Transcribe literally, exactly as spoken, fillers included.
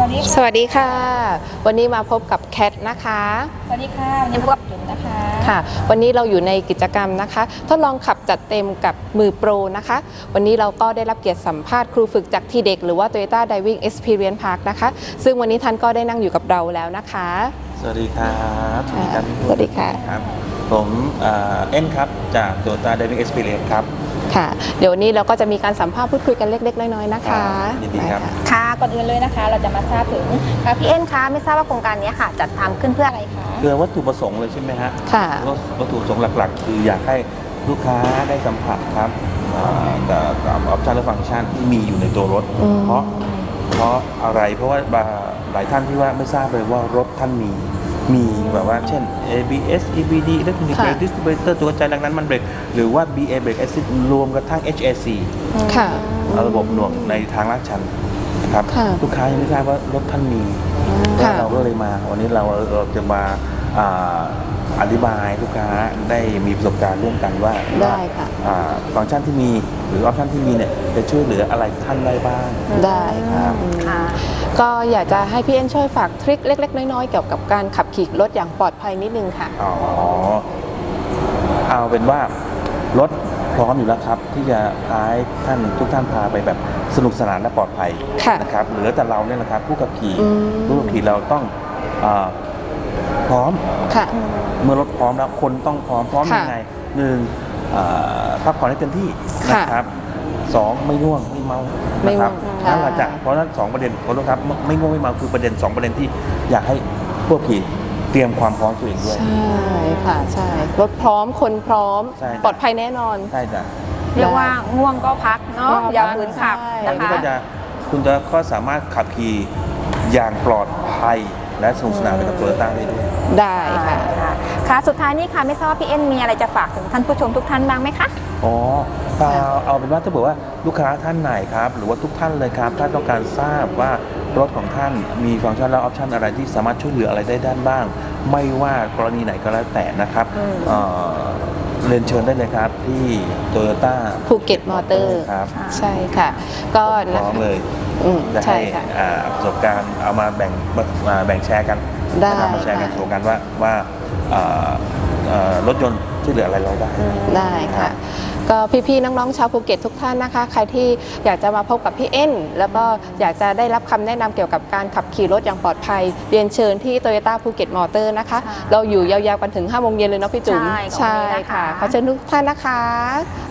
วัสดีค่ะสวัสดีค่ะวันนี้มาพบกับแคทนะคะสวัสดีค่ะวันนี้พบกับจุ๋มนะคะค่ะวันนี้เราอยู่ในกิจกรรมนะคะทดลองขับจัดเต็มกับมือโปรนะคะวันนี้เราก็ได้รับเกียรติสัมภาษณ์ครูฝึกจากทีเด็กหรือว่า Toyota Driving Experience Park นะคะซึ่งวันนี้ท่านก็ได้นั่งอยู่กับเราแล้วนะคะสวัสดีครับสวัสดีครับสวัสดีค่ะครับผมเอ็นครับจาก Toyota Driving Experience ครับค่ะเดี๋ยววันนี้เราก็จะมีการสัมภาษณ์พูดคุยกันเล็กๆน้อยๆนะคะยินดีครับค่ะก่อนอื่นเลยนะคะเราจะมาทราบถึงค่ะพี่เอ็นคะไม่ทราบว่าโครงการนี้ค่ะจัดทำขึ้นเพื่ออะไรคะคือวัตถุประสงค์เลยใช่ไหมฮะค่ะวัตถุประสงค์หลักๆคืออยากให้ลูกค้าได้สัมผัสครับกับกับออปชันและฟังก์ชันที่มีอยู่ในตัวรถเพราะเพราะอะไรเพราะว่าหลายท่านที่ว่าไม่ทราบเลยว่ารถท่านมีมีแบบว่าเช่น เอ บี เอส อี บี ดี Electronic Brake Distributor ตัวกระจายแรงดันมันเบรกหรือว่า บี เอ Brake Assist รวมกระทั่ง เอช เอ ซีค่ะระบบหน่วงในทางลาดชันนะครับลูกค้ายังไม่ทราบว่ารถท่านมีเราก็เลยมาวันนี้เราเราจะมาอธิบายลูกค้าได้มีประสบการณ์ร่วมกันว่าได้ค่ะฟังก์ชันที่มีหรือออปชันที่มีเนี่ยจะช่วยเหลืออะไรท่านได้บ้างได้ครับก็อยากจะให้พี่เอ็นช่วยฝากทริคเล็กๆน้อยๆเกี่ยวกับการขับขี่รถอย่างปลอดภัยนิดนึงค่ะอ๋อเอาเป็นว่ารถพร้อมอยู่แล้วครับที่จะพาท่านทุกท่านพาไปแบบสนุกสนานและปลอดภัยนะครับเหลือแต่เราเนี่ยนะครับผู้ขับขี่ผู้ขับขี่เราต้องพร้อมเมื่อรถพร้อมแล้วคนต้องพร้อมพร้อมยังไงหนึ่งพักผ่อนให้เต็มที่นะครับสองไม่ง่วงไม่เมานะครับนั่นแหละจ้ะเพราะนั้นสองประเด็นขอโทษครับไม่ง่วงไม่เมาคือประเด็นสองประเด็นที่อยากให้ผู้ขับขี่เตรียมความพร้อมตัวเองด้วยใช่ค่ะใช่รถพร้อมคนพร้อมปลอดภัยแน่นอนใช่จ้ะเรียกว่าง่วงก็พักเนาะอย่าฝืนขับนะคะก็จะคุณจะก็สามารถขับขี่อย่างปลอดภัยและสนุกสนานไปกับโตโยต้าได้ด้วยได้ค่ะค่ะสุดท้ายนี้ค่ะไม่ทราบว่าพี่เอ็นมีอะไรจะฝากถึงท่านผู้ชมทุกท่านบ้างไหมคะอ๋อเอาเป็นว่าถ้าบอกว่าลูกค้าท่านไหนครับหรือว่าทุกท่านเลยครับถ้าต้องการทราบว่ารถของท่านมีฟังก์ชันและออปชันอะไรที่สามารถช่วยเหลืออะไรได้ด้านบ้างไม่ว่ากรณีไหนก็แล้วแต่นะครับเรียนเชิญได้เลยครับที่โตโยต้าภูเก็ตมอเตอร์ครับใช่ค่ะก็พร้อมเลยจะให้ประสบการณ์เอามาแบ่งมาแบ่งแชร์กันนะครับมาแชร์กันโชว์กันว่าว่ารถยนต์ช่วยเหลืออะไรเราได้ได้ค่ะก็พี่ๆน้องๆชาวภูเก็ตทุกท่านนะคะใครที่อยากจะมาพบกับพี่เอ็นแล้วก็อยากจะได้รับคำแนะนำเกี่ยวกับการขับขี่รถอย่างปลอดภัยเรียนเชิญที่โตโยต้าภูเก็ตมอเตอร์นะคะเราอยู่ยาวๆกันถึงห้าโมงเย็นเลยเนาะพี่จุ๋มใช่ค่ะขอเชิญทุกท่านนะคะ